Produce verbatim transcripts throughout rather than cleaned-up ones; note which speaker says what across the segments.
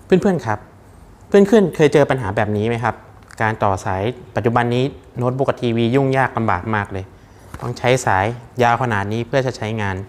Speaker 1: เพื่อนๆครับเพื่อนๆเคยเจอปัญหาแบบนี้ไหมครับการต่อสายปัจจุบันนี้โน้ตบุ๊กกับทีวียุ่งยากลำบากมากเลยต้องใช้สายยาวขนาดนี้เพื่อจะใช้งาน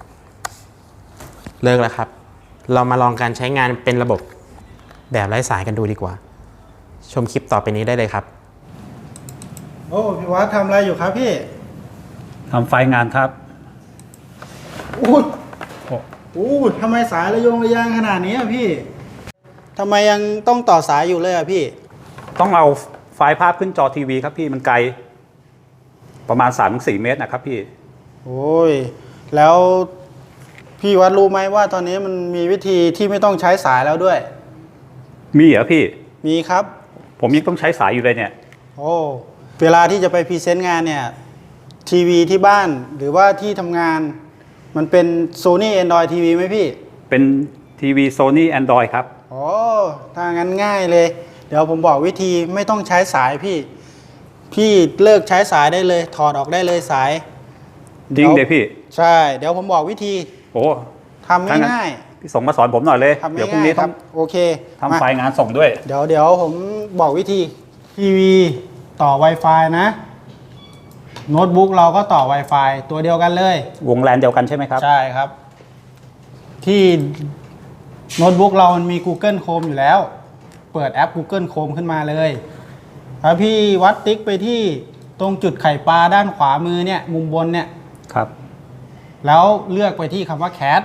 Speaker 1: เลิกแล้วครับเรามาลองการใช้งานเป็นระบบแบบไร้สายกันดูดีกว่าชมคลิปต่อไปนี้ได้เลยครับ
Speaker 2: โอ้พี่วัดทำอะไรอยู่ครับพี่
Speaker 3: ทำไฟงานครับ
Speaker 2: อู้อู้ทำไมสายระยงระยางขนาดนี้อ่ะพี่ทำไมยังต้องต่อสายอยู่เลยอ่ะพี่
Speaker 3: ต้องเอาไฟล์ภาพขึ้นจอทีวีครับพี่มันไกลประมาณ สามถึงสี่ เมตรนะครับพี่
Speaker 2: โอ้ยแล้วพี่วัดรู้ไหมว่าตอนนี้มันมีวิธีที่ไม่ต้องใช้สายแล้วด้วย
Speaker 3: มีเหรอพี่
Speaker 2: มีครับ
Speaker 3: ผมยังต้องใช้สายอยู่เลยเนี่ย
Speaker 2: โอ้เวลาที่จะไปพรีเซนต์งานเนี่ยทีวีที่บ้านหรือว่าที่ทำงานมันเป็น Sony Android ทีวีไหมพี่
Speaker 3: เป็นทีวี Sony Android ครับ
Speaker 2: โอ้ถ้างั้นง่ายเลยเดี๋ยวผมบอกวิธีไม่ต้องใช้สายพี่พี่เลิกใช้สายได้เลยถอดออกได้เลยสาย
Speaker 3: จริงเลยพี่
Speaker 2: ใช่เดี๋ยวผมบอกวิธี
Speaker 3: โอ้
Speaker 2: ทำง่าย
Speaker 3: ๆพี่ส่งมาสอนผมหน่อยเลยเดี๋ยวพรุ่งนี้ต้อง
Speaker 2: โอเค
Speaker 3: ทำไฟล์งานส่งด้วย
Speaker 2: เดี๋ยวเดี๋ยวผมบอกวิธีทีวีต่อ Wi-Fi นะโน้ตบุ๊กเราก็ต่อ Wi-Fi ตัวเดียวกันเลยว
Speaker 3: งแลนเดียวกันใช่ไหมครับ
Speaker 2: ใช่ครับที่โน้ตบุ๊กเรามันมี Google Chrome อยู่แล้วเปิดแอป Google Chrome ขึ้นมาเลยแล้วพี่วัดติ๊กไปที่ตรงจุดไข่ปลาด้านขวามือเนี่ยมุมบนเนี่ย
Speaker 3: ครับ
Speaker 2: แล้วเลือกไปที่คำว่า Cat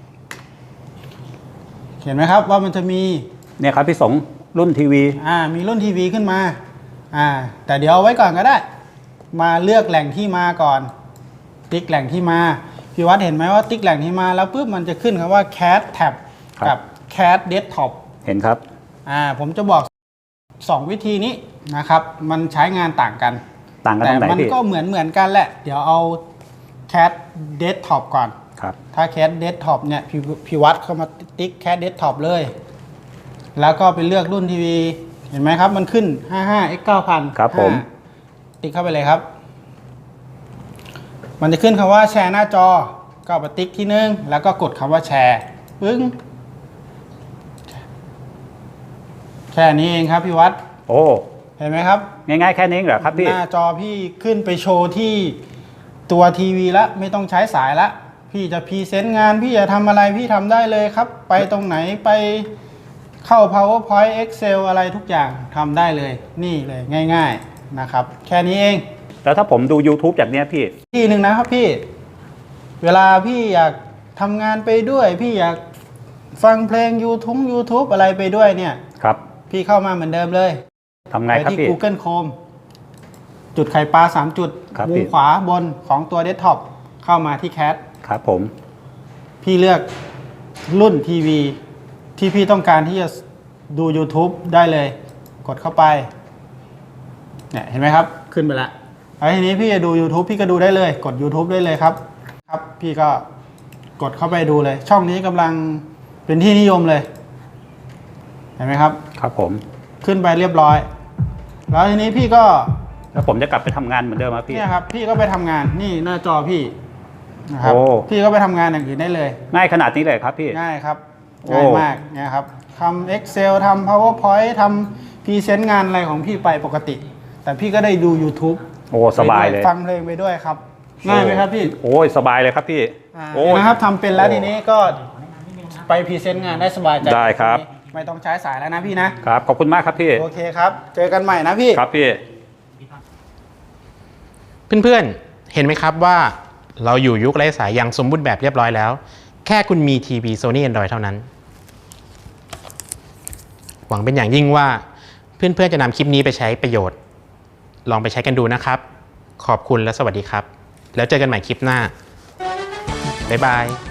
Speaker 2: เห็นไหมครับว่ามันจะมี
Speaker 3: เนี่ยครับพี่สงรุ่นทีวี
Speaker 2: อ่ามีรุ่นทีวีขึ้นมาอ่าแต่เดี๋ยวเอาไว้ก่อนก็ได้มาเลือกแหล่งที่มาก่อนติ๊กแหล่งที่มาพี่วัดเห็นไหมว่าติ๊กแหล่งที่มาแล้วปุ๊บมันจะขึ้นคำว่า Cat Tab กับ Cat Desktop
Speaker 3: เห็นครับ
Speaker 2: อ่าผมจะบอกสองวิธีนี้นะครับมันใช้งานต่างกัน
Speaker 3: ต่างกันตรงไหนพี่แต่
Speaker 2: มันก็เหมือนเหมือนกันแหละเดี๋ยวเอา Cat Desktop ก่อน
Speaker 3: ครับ
Speaker 2: ถ้า Cat Desktop เนี่ยพี่พี่วัดเข้ามาติ๊ก Cat Desktop เลยแล้วก็ไปเลือกรุ่นทีวีเห็นไหมครับมันขึ้น ห้าสิบห้า เอ็กซ์ เก้าพัน
Speaker 3: ครับผม
Speaker 2: ติ๊กเข้าไปเลยครับมันจะขึ้นคำว่าแชร์หน้าจอก็ไปติ๊กที่หนึ่งแล้วก็กดคำว่าแชร์ปึ้งแค่นี้เองครับพี่วัด
Speaker 3: โอ้
Speaker 2: เห็นไหมครับ
Speaker 3: ง่ายๆแค่นี้เหรอครับพี่
Speaker 2: หน้าจอพี่ขึ้นไปโชว์ที่ตัวทีวีละไม่ต้องใช้สายละพี่จะพรีเซนต์งานพี่จะทำอะไรพี่ทำได้เลยครับไปตรงไหนไปเข้า PowerPoint Excel อะไรทุกอย่างทำได้เลยนี่เลยง่ายๆนะครับแค่นี้เอง
Speaker 3: แล้วถ้าผมดู YouTube จากเนี้ยพี่
Speaker 2: ที่หนึ่งนะครับพี่เวลาพี่อยากทำงานไปด้วยพี่อยากฟังเพลง YouTube YouTube อะไรไปด้วยเนี่ย
Speaker 3: ครับ
Speaker 2: พี่เข้ามาเหมือนเดิมเลย
Speaker 3: ทำไงครับพี่
Speaker 2: ไปที่ Google Chrome จุดไข่ปลาสามจุดมุมขวาบนของตัวเดสก์ท็อปเข้ามาที่ Cat
Speaker 3: ครับผม
Speaker 2: พี่เลือกรุ่นทีวีที่พี่ต้องการที่จะดู YouTube ได้เลยกดเข้าไปเนี่ยเห็นไหมครับขึ้นไปแล้วแล้วทีนี้พี่จะดู YouTube พี่ก็ดูได้เลยกด YouTube ได้เลยครับครับพี่ก็กดเข้าไปดูเลยช่องนี้กำลังเป็นที่นิยมเลยเห็นไหมครับ
Speaker 3: ครับผม
Speaker 2: ขึ้นไปเรียบร้อยแล้วทีนี้พี่ก็
Speaker 3: แล้วผมจะกลับไปทำงานเหมือนเดิมครับพี่
Speaker 2: เนี่ยครับพี่ก็ไปทำงานนี่หน้าจอพี่นะครับพี่ก็ไปทำงานอย่างอื่นได้เลย
Speaker 3: ง่ายขนาดนี้เลยครับพี่
Speaker 2: ง่ายครับง่ายมากเนี่ยครับทำ Excel ทำ PowerPoint ทำพรีเซนต์งานอะไรของพี่ไปปกติแต่พี่ก็ได้ดู YouTube
Speaker 3: โอ้สบายเลย
Speaker 2: ฟังเพลงไปด้วยครับง่ายไหมครับพี่
Speaker 3: โอ้ยสบายเลยครับพี่
Speaker 2: โอ้นะครับทำเป็นแล้วทีนี้ก็ไปพรีเซนต์งานได้สบายใจ
Speaker 3: ได้ครับ
Speaker 2: ไม่ต้องใช้สายแล้วนะพี่นะครับ
Speaker 3: ขอบคุณมากครับพี่
Speaker 2: โอเคครับเจอกันใหม่นะพี่
Speaker 3: ครับพี่
Speaker 1: เพื่อนๆเห็นไหมครับว่าเราอยู่ยุคไร้สายอย่างสมบูรณ์แบบเรียบร้อยแล้วแค่คุณมีทีวี Sony Android เท่านั้นหวังเป็นอย่างยิ่งว่าเพื่อนๆจะนำคลิปนี้ไปใช้ประโยชน์ลองไปใช้กันดูนะครับขอบคุณและสวัสดีครับแล้วเจอกันใหม่คลิปหน้าบ๊ายบาย